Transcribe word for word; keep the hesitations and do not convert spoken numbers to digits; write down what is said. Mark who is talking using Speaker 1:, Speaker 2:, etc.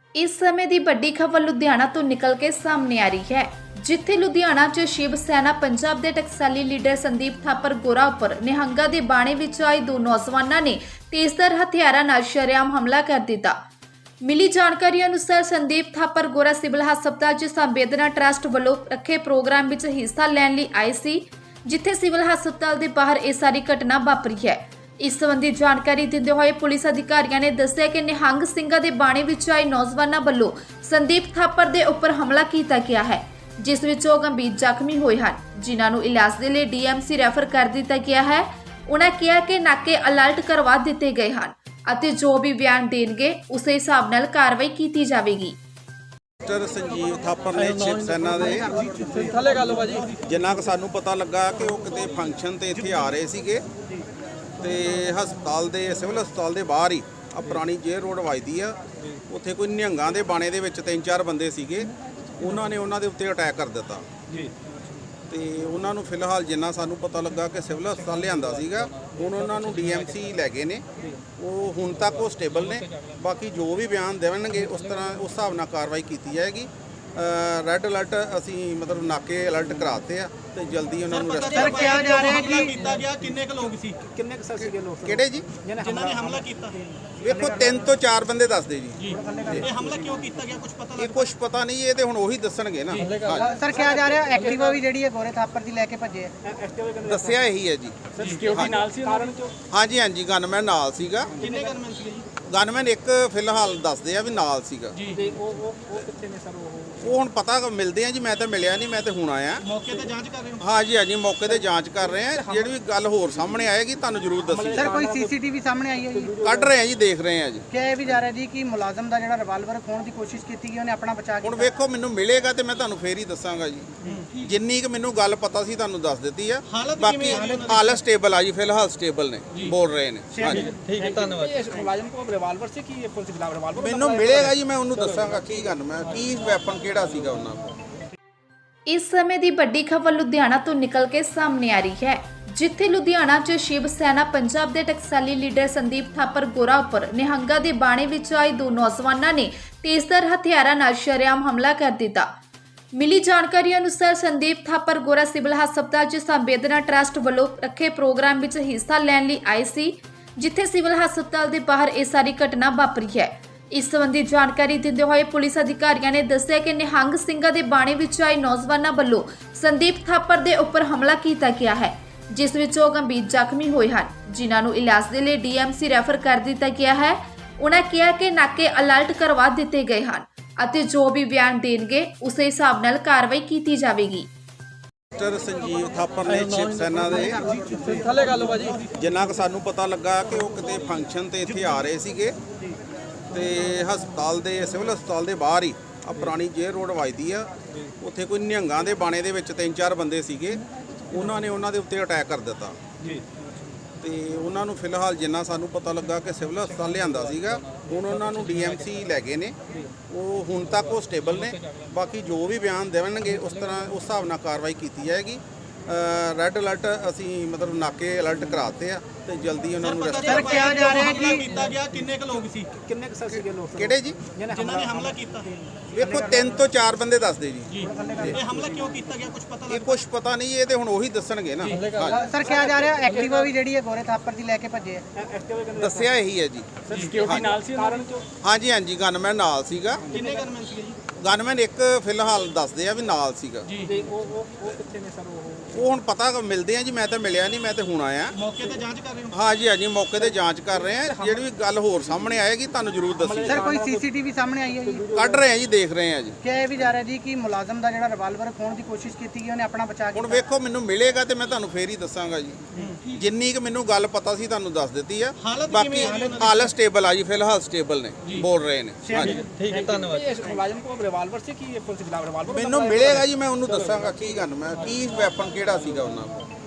Speaker 1: इस समय ਦੀ ਵੱਡੀ ਖਬਰ ਲੁਧਿਆਣਾ ਤੋਂ ਨਿਕਲ ਕੇ ਸਾਹਮਣੇ ਆ ਰਹੀ ਹੈ, ਜਿੱਥੇ ਲੁਧਿਆਣਾ 'ਚ ਸ਼ਿਵ ਸੈਨਾ ਪੰਜਾਬ ਦੇ ਟਕਸਾਲੀ ਲੀਡਰ ਸੰਦੀਪ ਥਾਪਰ ਗੋਰਾ ਉੱਪਰ ਨਿਹੰਗਾਂ ਦੇ ਬਾਣੇ ਵਿੱਚ ਆਏ ਦੋ ਨੌਜਵਾਨਾਂ ਨੇ ਤੇਜ਼ਧਾਰ ਹਥਿਆਰਾਂ ਨਾਲ ਸ਼ਰੇਆਮ ਹਮਲਾ ਕਰ ਦਿੱਤਾ। ਮਿਲੀ ਜਾਣਕਾਰੀ ਅਨੁਸਾਰ ਸੰਦੀਪ ਥਾਪਰ ਗੋਰਾ ਸਿਵਲ ਹਸਪਤਾਲ 'ਚ ਸੰਵੇਦਨਾ ਟਰਸਟ ਵੱਲੋਂ ਰੱਖੇ ਪ੍ਰੋਗਰਾਮ ਵਿੱਚ ਹਿੱਸਾ ਲੈਣ ਲਈ ਆਏ ਸੀ, ਜਿੱਥੇ ਸਿਵਲ ਹਸਪਤਾਲ ਦੇ ਬਾਹਰ ਇਹ ਸਾਰੀ ਘਟਨਾ ਵਾਪਰੀ ਹੈ। इस संबंधी जानकारी दिंदे हुए पुलिस अधिकारियों ने दस्सिया कि निहंग ਸਿੰਘਾਂ ਦੇ ਬਾਣੇ ਵਿੱਚ ਆਏ ਨੌਜਵਾਨਾਂ ਵੱਲੋਂ ਸੰਦੀਪ ਥਾਪਰ ਦੇ ਉੱਪਰ ਹਮਲਾ ਕੀਤਾ ਗਿਆ ਹੈ, ਜਿਸ ਵਿੱਚ ਉਹ ਗੰਭੀਰ ਜ਼ਖਮੀ ਹੋਏ ਹਨ, ਜਿਨ੍ਹਾਂ ਨੂੰ ਇਲਾਜ ਦੇ ਲਈ ਡੀਐਮਸੀ ਰੈਫਰ ਕਰ ਦਿੱਤਾ ਗਿਆ ਹੈ। ਉਹਨਾਂ ਕਿਹਾ ਕਿ ਨਾਕੇ ਅਲਰਟ ਕਰਵਾ ਦਿੱਤੇ ਗਏ ਹਨ ਅਤੇ ਜੋ ਵੀ ਬਿਆਨ ਦੇਣਗੇ ਉਸੇ ਹਿਸਾਬ ਨਾਲ ਕਾਰਵਾਈ ਕੀਤੀ ਜਾਵੇਗੀ।
Speaker 2: ਮਿਸਟਰ ਸੰਜੀਵ ਥਾਪਰ ਨੇ ਸ਼ਿਵ ਸੈਨਾ ਦੇ ਥੱਲੇ ਗੱਲ ਭਾਜੀ, ਜਿੰਨਾ ਕਿ ਸਾਨੂੰ ਪਤਾ ਲੱਗਾ ਕਿ ਉਹ ਕਿਤੇ ਫੰਕਸ਼ਨ ਤੇ ਇੱਥੇ ਆ ਰਹੇ ਸੀਗੇ ਤੇ ਹਸਪਤਾਲ ਦੇ ਸਿਵਲ ਹਸਪਤਾਲ ਦੇ ਬਾਹਰ ਹੀ ਆ ਪੁਰਾਣੀ ਜੇਲ੍ਹ ਰੋਡ ਵੱਜਦੀ ਆ, ਉੱਥੇ ਕੋਈ ਨਿਹੰਗਾਂ ਦੇ ਬਾਣੇ ਦੇ ਵਿੱਚ ਤਿੰਨ ਚਾਰ ਬੰਦੇ ਸੀਗੇ, ਉਹਨਾਂ ਨੇ ਉਹਨਾਂ ਦੇ ਉੱਤੇ ਅਟੈਕ ਕਰ ਦਿੱਤਾ ਜੀ। ਤੇ ਉਹਨਾਂ ਨੂੰ ਫਿਲਹਾਲ ਜਿੰਨਾ ਸਾਨੂੰ ਪਤਾ ਲੱਗਾ ਕਿ ਸਿਵਲ ਹਸਪਤਾਲ ਲਿਆਂਦਾ ਸੀਗਾ, ਹੁਣ ਉਹਨਾਂ ਨੂੰ ਡੀਐਮਸੀ ਲੈ ਗਏ ਨੇ, ਉਹ ਹੁਣ ਤੱਕ ਉਹ ਸਟੇਬਲ ਨੇ। ਬਾਕੀ ਜੋ ਵੀ ਬਿਆਨ ਦੇਣਗੇ ਉਸ ਤਰ੍ਹਾਂ ਉਸ ਹਿਸਾਬ ਨਾਲ ਕਾਰਵਾਈ ਕੀਤੀ ਜਾਏਗੀ। ਰੈੱਡ ਅਲਰਟ ਅਸੀਂ ਮਤਲਬ ਨਾਕੇ ਅਲਰਟ ਕਰਾਤੇ ਆ ਤੇ ਜਲਦੀ ਉਹਨਾਂ ਨੂੰ
Speaker 3: ਅਰੈਸਟ ਸਰ ਕਿਹਾ ਜਾ ਰਿਹਾ ਕਿ ਕੀਤਾ ਗਿਆ। ਕਿੰਨੇ ਕੁ ਲੋਕ ਸੀ, ਕਿੰਨੇ ਕੁ ਸੀਗੇ ਲੋਕ
Speaker 2: ਕਿਹੜੇ ਜੀ
Speaker 3: ਜਿਨ੍ਹਾਂ ਨੇ ਹਮਲਾ ਕੀਤਾ?
Speaker 2: ਵੇਖੋ ਤਿੰਨ ਤੋਂ ਚਾਰ ਬੰਦੇ ਦੱਸਦੇ ਜੀ।
Speaker 3: ਇਹ ਹਮਲਾ ਕਿਉਂ ਕੀਤਾ ਗਿਆ ਕੁਝ ਪਤਾ
Speaker 2: ਇਹ ਕੁਝ ਪਤਾ ਨਹੀਂ, ਇਹ ਤੇ ਹੁਣ ਉਹੀ ਦੱਸਣਗੇ ਨਾ।
Speaker 4: ਸਰ ਕਿਹਾ ਜਾ ਰਿਹਾ ਐਕਟਿਵਾ ਵੀ ਜਿਹੜੀ ਹੈ ਗੋਰੇ ਥਾਪਰ ਦੀ ਲੈ ਕੇ ਭੱਜੇ ਆ।
Speaker 2: ਦੱਸਿਆ ਇਹੀ ਹੈ ਜੀ।
Speaker 3: ਸਰ ਸਿਕਿਉਰਿਟੀ ਨਾਲ ਸੀ ਕਾਰਨ ਚੋਂ?
Speaker 2: ਹਾਂਜੀ ਹਾਂਜੀ ਗਨਮੈਨ ਨਾਲ ਸੀਗਾ।
Speaker 3: ਕਿੰਨੇ ਗਨਮੈਨ ਸੀਗੇ ਜੀ?
Speaker 2: ਗਨਮੈਨ ਇੱਕ ਫਿਲਹਾਲ ਦੱਸਦੇ ਆ ਵੀ ਨਾਲ ਸੀਗਾ
Speaker 3: ਜੀ। ਤੇ ਉਹ ਉਹ ਉਹ ਕਿੱਥੇ ਨੇ ਸਰ? ਉਹ
Speaker 2: ਉਹ ਹੁਣ ਪਤਾ ਮਿਲਦੇ ਆ ਜੀ, ਮੈਂ ਤਾਂ ਮਿਲਿਆ ਨਹੀਂ, ਮੈਂ ਤਾਂ ਹੁਣ ਆਇਆ।
Speaker 3: ਮੌਕੇ ਤੇ ਜਾਂਚ ਕਰ ਰਹੇ ਹੋ?
Speaker 2: ਹਾਂਜੀ ਹਾਂਜੀ ਮੌਕੇ ਤੇ ਜਾਂਚ ਕਰ ਰਹੇ ਆ, ਜਿਹੜੀ ਵੀ ਗੱਲ ਹੋਰ ਸਾਹਮਣੇ ਆਏਗੀ ਤੁਹਾਨੂੰ ਜ਼ਰੂਰ ਦੱਸੀ।
Speaker 4: ਸਰ ਕੋਈ ਸੀਸੀਟੀਵੀ ਸਾਹਮਣੇ ਆਈ ਹੈ ਜੀ?
Speaker 2: ਕੱਢ ਰਹੇ ਆ ਜੀ, ਦੇਖ ਰਹੇ ਆ ਜੀ।
Speaker 4: ਕਿਹਾ ਇਹ ਵੀ ਜਾ ਰਿਹਾ ਜੀ ਕਿ ਮੁਲਾਜ਼ਮ ਦਾ ਜਿਹੜਾ ਰਿਵਾਲਵਰ ਖੋਣ ਦੀ ਕੋਸ਼ਿਸ਼ ਕੀਤੀ ਗਈ, ਉਹਨੇ ਆਪਣਾ ਬਚਾ
Speaker 2: ਹੁਣ
Speaker 4: ਕੀਤਾ।
Speaker 2: ਵੇਖੋ ਮੈਨੂੰ ਮਿਲੇਗਾ ਤੇ ਮੈਂ ਤੁਹਾਨੂੰ ਫੇਰ ਹੀ ਦੱਸਾਂਗਾ ਜੀ। ਜਿੰਨੀ ਕਿ ਮੈਨੂੰ ਗੱਲ ਪਤਾ ਸੀ ਤੁਹਾਨੂੰ ਦੱਸ ਦਿੱਤੀ ਆ। ਬਾਕੀ ਹਾਲਤ ਸਟੇਬਲ ਆ ਜੀ, ਫਿਲਹਾਲ ਸਟੇਬਲ ਨੇ, ਬੋਲ ਰਹੇ ਨੇ। ਹਾਂਜੀ
Speaker 3: ਠੀਕ ਹੈ, ਧੰਨਵਾਦ। ਇਹ ਮੁਲਾਜ਼ਮ ਕੋਲ ਰਿਵਾਲਵਰ ਸੀ ਕਿ ਪੁਲਿਸ ਦੇ ਖਿਲਾਫ ਰਿਵਾਲਵਰ?
Speaker 2: ਮੈਨੂੰ ਮਿਲੇਗਾ ਜੀ, ਮੈਂ ਉਹਨੂੰ ਦੱਸਾਂਗਾ ਕੀ ਗੱਲ, ਮੈਂ ਕੀ ਵੈਪਨ ਕਿਹੜਾ ਸੀਗਾ ਉਹਨਾਂ ਕੋਲ।
Speaker 1: ਇਸ ਸਮੇਂ ਦੀ ਵੱਡੀ ਖਬਰ ਲੁਧਿਆਣਾ ਤੋਂ ਨਿਕਲ ਕੇ ਸਾਹਮਣੇ ਆ ਰਹੀ ਹੈ, ਜਿੱਥੇ ਲੁਧਿਆਣਾ 'ਚ ਸ਼ਿਵ ਸੈਨਾ ਪੰਜਾਬ ਦੇ ਟਕਸਾਲੀ ਲੀਡਰ ਸੰਦੀਪ ਥਾਪਰ ਗੋਰਾ ਉੱਪਰ ਨਿਹੰਗਾਂ ਦੇ ਬਾਣੇ ਵਿੱਚ ਆਏ ਦੋ ਨੌਜਵਾਨਾਂ ਨੇ ਤੇਜ਼ਧਾਰ ਹਥਿਆਰਾਂ ਨਾਲ ਸ਼ਰੇਆਮ ਹਮਲਾ ਕਰ ਦਿੱਤਾ। ਮਿਲੀ ਜਾਣਕਾਰੀ ਅਨੁਸਾਰ ਸੰਦੀਪ ਥਾਪਰ ਗੋਰਾ ਸਿਵਲ ਹਸਪਤਾਲ 'ਚ ਸੰਵੇਦਨਾ ਟਰਸਟ ਵੱਲੋਂ ਰੱਖੇ ਪ੍ਰੋਗਰਾਮ ਵਿੱਚ ਹਿੱਸਾ ਲੈਣ ਲਈ ਆਏ ਸੀ, ਜਿੱਥੇ ਸਿਵਲ ਹਸਪਤਾਲ ਦੇ ਬਾਹਰ ਇਹ ਸਾਰੀ ਘਟਨਾ ਵਾਪਰੀ ਹੈ। ਇਸ ਸੰਬੰਧੀ ਜਾਣਕਾਰੀ ਦਿੰਦੇ ਹੋਏ ਪੁਲਿਸ ਅਧਿਕਾਰੀਆਂ ਨੇ ਦੱਸਿਆ ਕਿ ਨਿਹੰਗ ਸਿੰਘਾਂ ਦੇ ਬਾਣੇ ਵਿੱਚ ਆਏ ਨੌਜਵਾਨਾਂ ਵੱਲੋਂ ਸੰਦੀਪ ਥਾਪਰ ਦੇ ਉੱਪਰ ਹਮਲਾ ਕੀਤਾ ਗਿਆ ਹੈ, ਜਿਸ ਵਿੱਚ ਉਹ ਗੰਭੀਰ ਜ਼ਖਮੀ ਹੋਏ ਹਨ, ਜਿਨ੍ਹਾਂ ਨੂੰ ਇਲਾਜ ਦੇ ਲਈ ਡੀਐਮਸੀ ਰੈਫਰ ਕਰ ਦਿੱਤਾ ਗਿਆ ਹੈ। ਉਹਨਾਂ ਕਿਹਾ ਕਿ ਨਾਕੇ ਅਲਰਟ ਕਰਵਾ ਦਿੱਤੇ ਗਏ ਹਨ ਅਤੇ ਜੋ ਵੀ ਬਿਆਨ ਦੇਣਗੇ ਉਸੇ ਹਿਸਾਬ ਨਾਲ ਕਾਰਵਾਈ ਕੀਤੀ ਜਾਵੇਗੀ।
Speaker 2: ਮਿਸਟਰ ਸੰਜੀਵ ਥਾਪਰ ਨੇ ਸ਼ਿਵ ਸੈਨਾ ਦੇ
Speaker 3: ਥੱਲੇ ਗੱਲ ਭਾਜੀ,
Speaker 2: ਜਿੰਨਾ ਕਿ ਸਾਨੂੰ ਪਤਾ ਲੱਗਾ ਕਿ ਉਹ ਕਿਤੇ ਫੰਕਸ਼ਨ ਤੇ ਇੱਥੇ ਆ ਰਹੇ ਸੀਗੇ ਤੇ ਹਸਪਤਾਲ ਦੇ ਸਿਵਲ ਹਸਪਤਾਲ ਦੇ ਬਾਹਰ ਹੀ ਆ ਪੁਰਾਣੀ ਜੇਲ੍ਹ ਰੋਡ ਵੱਜਦੀ ਆ, ਉੱਥੇ ਕੋਈ ਨਿਹੰਗਾਂ ਦੇ ਬਾਣੇ ਦੇ ਵਿੱਚ ਤਿੰਨ ਚਾਰ ਬੰਦੇ ਸੀਗੇ, ਉਹਨਾਂ ਨੇ ਉਹਨਾਂ ਦੇ ਉੱਤੇ ਅਟੈਕ ਕਰ ਦਿੱਤਾ ਜੀ। ਤੇ ਉਹਨਾਂ ਨੂੰ ਫਿਲਹਾਲ ਜਿੰਨਾ ਸਾਨੂੰ ਪਤਾ ਲੱਗਾ ਕਿ ਸਿਵਲ ਹਸਪਤਾਲ ਲਿਆਂਦਾ ਸੀਗਾ, ਹੁਣ ਉਹਨਾਂ ਨੂੰ ਡੀਐਮਸੀ ਲੈ ਗਏ ਨੇ, ਉਹ ਹੁਣ ਤੱਕ ਉਹ ਸਟੇਬਲ ਨੇ। ਬਾਕੀ ਜੋ ਵੀ ਬਿਆਨ ਦੇਣਗੇ ਉਸ ਤਰ੍ਹਾਂ ਉਸ ਹਿਸਾਬ ਨਾਲ ਕਾਰਵਾਈ ਕੀਤੀ ਜਾਏਗੀ। ਰੈੱਡ ਅਲਰਟ ਅਸੀਂ ਮਤਲਬ ਨਾਕੇ ਅਲਰਟ ਕਰਾਤੇ ਆ ਤੇ ਜਲਦੀ ਉਹਨਾਂ ਨੂੰ ਅਰੈਸਟ
Speaker 4: ਸਰ ਕਿਹਾ ਜਾ ਰਿਹਾ
Speaker 3: ਹਮਲਾ
Speaker 4: ਕਿ
Speaker 3: ਕੀਤਾ ਗਿਆ। ਕਿੰਨੇ ਕੁ ਲੋਕ ਸੀ, ਕਿੰਨੇ ਕੁ ਸੀਗੇ ਲੋਕ
Speaker 2: ਕਿਹੜੇ ਜੀ
Speaker 3: ਜਿਨ੍ਹਾਂ ਨੇ ਹਮਲਾ ਕੀਤਾ?
Speaker 2: ਵੇਖੋ ਤਿੰਨ ਤੋਂ ਚਾਰ ਬੰਦੇ ਦੱਸਦੇ ਜੀ।
Speaker 3: ਇਹ ਹਮਲਾ ਕਿਉਂ ਕੀਤਾ ਗਿਆ ਕੁਝ ਪਤਾ?
Speaker 2: ਇਹ ਕੁਝ ਪਤਾ ਨਹੀਂ, ਇਹ ਤੇ ਹੁਣ ਉਹੀ ਦੱਸਣਗੇ ਨਾ।
Speaker 4: ਸਰ ਕਿਹਾ ਜਾ ਰਿਹਾ ਐਕਟਿਵਾ ਵੀ ਜਿਹੜੀ ਹੈ ਗੋਰੇ ਥਾਪਰ ਦੀ ਲੈ ਕੇ ਭੱਜੇ ਆ।
Speaker 2: ਦੱਸਿਆ ਇਹੀ ਹੈ ਜੀ।
Speaker 3: ਸਰ ਸਿਕਿਉਰਿਟੀ ਨਾਲ ਸੀ ਕਾਰਨ ਚੋਂ?
Speaker 2: ਹਾਂਜੀ ਹਾਂਜੀ ਗਨਮੈਨ ਨਾਲ ਸੀਗਾ।
Speaker 3: ਕਿੰਨੇ ਗਨਮੈਨ ਸੀਗੇ ਜੀ?
Speaker 2: ਗਨਮੈਨ ਇੱਕ ਫਿਲਹਾਲ ਦੱਸਦੇ ਆ ਵੀ ਨਾਲ ਸੀਗਾ।
Speaker 3: ਜੀ। ਤੇ ਉਹ ਉਹ ਉਹ ਕਿੱਥੇ ਨੇ ਸਰ? ਉਹ
Speaker 2: ਉਹ ਹੁਣ ਪਤਾ ਮਿਲਦੇ ਆ ਜੀ, ਮੈਂ ਤਾਂ ਮਿਲਿਆ ਨਹੀਂ, ਮੈਂ ਤਾਂ ਹੁਣ ਆਇਆ।
Speaker 3: ਮੌਕੇ ਤੇ ਜਾਂਚ ਕਰ ਰਹੇ ਹੋ?
Speaker 2: ਹਾਂਜੀ ਹਾਂਜੀ ਮੌਕੇ ਤੇ ਜਾਂਚ ਕਰ ਰਹੇ ਆ, ਜਿਹੜੀ ਵੀ ਗੱਲ ਹੋਰ ਸਾਹਮਣੇ ਆਏਗੀ ਤੁਹਾਨੂੰ ਜ਼ਰੂਰ ਦੱਸੀ।
Speaker 4: ਸਰ ਕੋਈ ਸੀਸੀਟੀਵੀ ਸਾਹਮਣੇ ਆਈ ਹੈ ਜੀ?
Speaker 2: ਕੱਢ ਰਹੇ ਆ ਜੀ, ਦੇਖ ਰਹੇ ਆ ਜੀ।
Speaker 4: ਕਿਹਾ ਇਹ ਵੀ ਜਾ ਰਿਹਾ ਜੀ ਕਿ ਮੁਲਾਜ਼ਮ ਦਾ ਜਿਹੜਾ ਰਿਵਾਲਵਰ ਖੋਣ ਦੀ ਕੋਸ਼ਿਸ਼ ਕੀਤੀ ਗਈ, ਉਹਨੇ ਆਪਣਾ ਬਚਾ
Speaker 2: ਹੁਣ
Speaker 4: ਕੀਤਾ।
Speaker 2: ਵੇਖੋ ਮੈਨੂੰ ਮਿਲੇਗਾ ਤੇ ਮੈਂ ਤੁਹਾਨੂੰ ਫੇਰ ਹੀ ਦੱਸਾਂਗਾ ਜੀ। ਜਿੰਨੀ ਕਿ ਮੈਨੂੰ ਗੱਲ ਪਤਾ ਸੀ ਤੁਹਾਨੂੰ ਦੱਸ ਦਿੱਤੀ ਆ। ਬਾਕੀ ਹਾਲਤ ਸਟੇਬਲ ਆ ਜੀ, ਫਿਲਹਾਲ ਸਟੇਬਲ ਨੇ, ਬੋਲ ਰਹੇ ਨੇ। ਹਾਂਜੀ
Speaker 3: ਠੀਕ ਹੈ, ਧੰਨਵਾਦ। ਇਹ ਮੁਲਾਜ਼ਮ ਕੋਲ ਰਿਵਾਲਵਰ ਸੀ ਕਿ ਪੁਲਿਸ ਦੇ ਖਿਲਾਫ ਰਿਵਾਲਵਰ?
Speaker 2: ਮੈਨੂੰ ਮਿਲੇਗਾ ਜੀ, ਮੈਂ ਉਹਨੂੰ ਦੱਸਾਂਗਾ ਕੀ ਗੱਲ, ਮੈਂ ਕੀ ਵੈਪਨ ਕਿਹੜਾ ਸੀਗਾ ਉਹਨਾਂ ਕੋਲ।